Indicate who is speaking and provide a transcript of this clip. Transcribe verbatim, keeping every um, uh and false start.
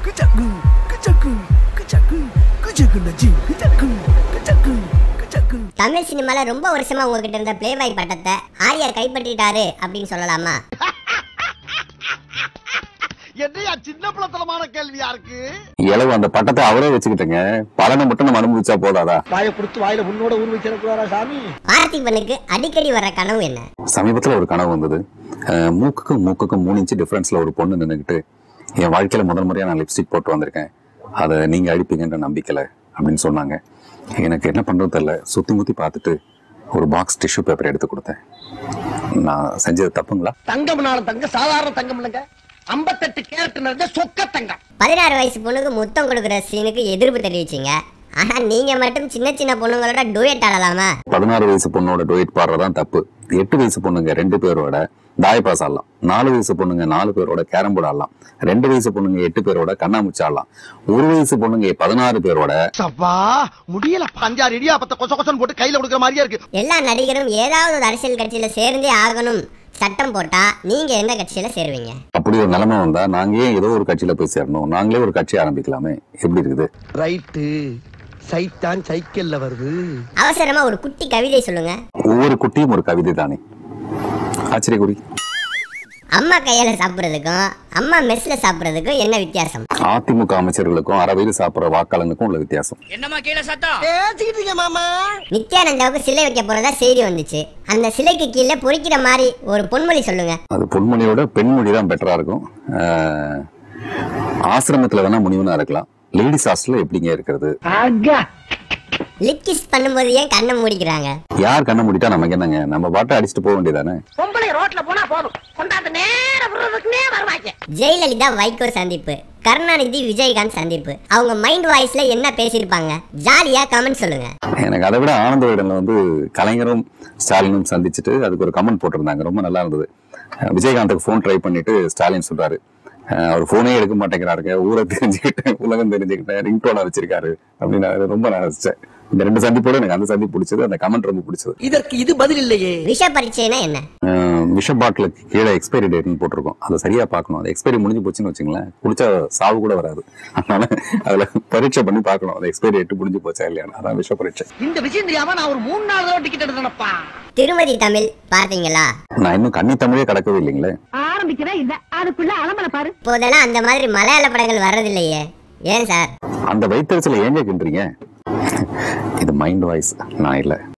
Speaker 1: Kejaku, kejaku, kejaku, kejaku naji, kejaku, kejaku, kejaku.
Speaker 2: Tamil சினிமால ரொம்ப வருஷமா உங்ககிட்ட இருந்த பிளேபாய் பட்டத்தை ஆர்யா கைப்பற்றிட்டாரு அப்படின்னு சொல்லலாமா?
Speaker 3: என்னையா சின்ன பிள்ளைத்தனமான கேள்வியா இருக்கு.
Speaker 4: எளவு அந்த பட்டத்தை அவரே வச்சுக்கிட்டேங்க. பலனை மட்டும் நம்ம அனுபவிச்சா போதாதா?
Speaker 3: வாயை கொடுத்து வாயில உன்னோட ஊர் வச்சிருக்காரா சாமி?
Speaker 2: பார்த்திபனுக்கு அடிக்கடி வர கனவு என்ன?
Speaker 4: சமீபத்துல ஒரு கனவு வந்தது. மூக்குக்கும் மூக்குக்கும் மூணு இன்ச்சு டிஃபரன்ஸ்ல ஒரு பொண்ணு நின்னுக்கிட்டு, என் வாழ்க்கையில முதல் முறையா நான் லிப்ஸ்டிக் போட்டு வந்திருக்கேன், அதை நீங்க அடிப்பீங்கன்ற நம்பிக்கல அப்படின்னு சொன்னாங்க. எனக்கு என்ன பண்றது தெரியல. சுத்தி முத்தி பார்த்துட்டு ஒரு பாக்ஸ் டிஷ்யூ பேப்பர் எடுத்து கொடுத்தேன். நான் செஞ்சது தப்புங்களா?
Speaker 3: தங்கம்னாலும் தங்க சாதாரண தங்கம் இல்லைங்க, ஐம்பத்தெட்டு கேரட் நிறைஞ்ச சொக்க தங்கம்.
Speaker 2: பதினாறு வயசு பொண்ணுக்கு முத்தம் கொடுக்குற சீனுக்கு எதிர்ப்பு தெரிவிச்சீங்க. ஆனா நீங்க மட்டும் சின்ன சின்ன பொண்ணுங்களோட டூயட் ஆடலாமா?
Speaker 4: பதினாறு வயசு பொண்ணோட டூயட் பாடுறதான் தப்பு. எட்டு வயசு பொண்ணுங்க ரெண்டு பேரோட தாய்பாஸ் ஆடலாம். நாலு வயசு பொண்ணுங்க நாலு பேரோட கேரம் போர்டு ஆடலாம். ரெண்டு வயசு பொண்ணுங்க எட்டு பேரோட கண்ணாமூச்சி ஆடலாம். ஒரு வயசு பொண்ணுங்க பதினாறு பேரோட
Speaker 3: முடியல பஞ்சாறு இடியாப்பத்தை கொச கொசன் போட்டு கையில கொடுக்குற மாதிரியா இருக்கு.
Speaker 2: எல்லா நடிகரும் ஏதாவது ஒரு அரசியல் கட்சியில சேர்ந்தே ஆகணும் சட்டம் போட்டா நீங்க எந்த கட்சியில சேருவீங்க?
Speaker 4: அப்படி ஒரு நிலைமை வந்தா நாங்க ஏன் ஏதோ ஒரு கட்சியில போய் சேரணும்? நாங்களே ஒரு கட்சி ஆரம்பிக்கலாமே. எப்படி இருக்குது?
Speaker 3: ரைட்டு. சைத்தான் சைக்கிள்ல வருது.
Speaker 2: அவசரமா ஒரு குட்டி கவிதை சொல்லுங்க.
Speaker 4: ஒவ்வொரு குட்டியும் ஒரு கவிதை தானே. ஆச்சரிய குறி.
Speaker 2: அம்மா கையால சாப்பிடுறதுக்கும் அம்மா மெஸ்ல சாப்பிடுறதுக்கும் என்ன வித்தியாசம்?
Speaker 4: அதிமுக அமைச்சர்களுக்கும் அறவையில் சாப்பிடுற வாக்காளனுக்கும் உள்ள வித்தியாசம்.
Speaker 5: என்னமா கீழே சத்தம்?
Speaker 3: பேசிக்கிட்டீங்க மாமா.
Speaker 2: நித்யானந்தாவுக்கு சிலை வைக்க போறதா செய்தி வந்துச்சு. அந்த சிலைக்கு கீழே பொறிக்கிற மாதிரி ஒரு பொன்மொழி சொல்லுங்க.
Speaker 4: அது பொன்மொழியோட பெண்மொழி தான் பெட்டரா இருக்கும். ஆசிரமத்துல வேணா முனிவனா இருக்கலாம். லேடிஸ் ஹாஸ்டல்ல எப்படிங்க இருக்கிறது?
Speaker 2: லிப் கிஸ் பண்ணும்போது ஏன் கண்ணை மூடிக்கிறாங்க?
Speaker 4: யார் கண்ணை மூடிட்டா நமக்கு என்னங்க? நம்ம பாட்டை அடிச்சுட்டு போக வேண்டியதானே.
Speaker 5: பொம்பளை ரோட்ல போனா போதும், கொண்டாந்து நேர விடுறதுக்குனே வருவாங்க.
Speaker 2: ஜெயலலிதா வைகோ சந்திப்பு, கருணாநிதி விஜயகாந்த் சந்திப்பு, அவங்க மைண்ட் வாய்ஸ்ல என்ன பேசியிருப்பாங்க? ஜாலியா கமெண்ட் சொல்லுங்க.
Speaker 4: எனக்கு அதை விட ஆனந்த விடல வந்து கலைஞரும் ஸ்டாலினும் சந்திச்சுட்டு அதுக்கு ஒரு கமெண்ட் போட்டிருந்தாங்க. ரொம்ப நல்லா இருந்தது. விஜயகாந்துக்கு போன் ட்ரை பண்ணிட்டு ஸ்டாலின் சொல்றாரு, அவர் போனே எடுக்க மாட்டேங்கிறாருங்க, ஊரை தெரிஞ்சுக்கிட்டேன், உலகம் தெரிஞ்சுக்கிட்டேன், ரிங்டோனா வச்சிருக்காரு அப்படின்னு ரொம்ப நான் ரசிச்சேன். இந்த ரெண்டு சந்திப்போட எனக்கு அந்த சந்திப்பு பிடிச்சது, அந்த கமெண்ட் ரொம்ப பிடிச்சது.
Speaker 3: இதற்கு இது பதில் இல்லையே.
Speaker 2: விஷ பரீட்சைனா என்ன?
Speaker 4: விஷ பாட்டிலுக்கு கீழே எக்ஸ்பைரி டேட்னு போட்டிருக்கோம். அதை சரியா பார்க்கணும். அது எக்ஸ்பைரி முடிஞ்சு போச்சுன்னு வச்சுங்களேன், குடிச்சா சாவு கூட வராது. அதனால அதுல பரீட்சை பண்ணி பார்க்கணும், அது எக்ஸ்பைரி டேட் முடிஞ்சு போச்சா இல்லையா. அதான் விஷ பரீட்சை.
Speaker 3: இந்த விஷயம் தெரியாம நான் ஒரு மூணு நாலு தடவை டிக்கெட் எடுத்தேனப்பா.
Speaker 2: திருமதி தமிழ் பார்த்தீங்களா?
Speaker 4: நான் இன்னும் கன்னி தமிழே கடக்கவே இல்லைங்களே.
Speaker 5: ஆரம்பிக்கிறேன் இல்ல, அதுக்குள்ள அலமல பாரு.
Speaker 2: இப்போதெல்லாம் அந்த மாதிரி மலையாள படங்கள் வர்றதில்லையே, ஏன் சார்?
Speaker 4: அந்த வைத்தறிச்சல ஏங்க கின்றீங்க? இது மைண்ட் வாய்ஸ், நான் இல்லை.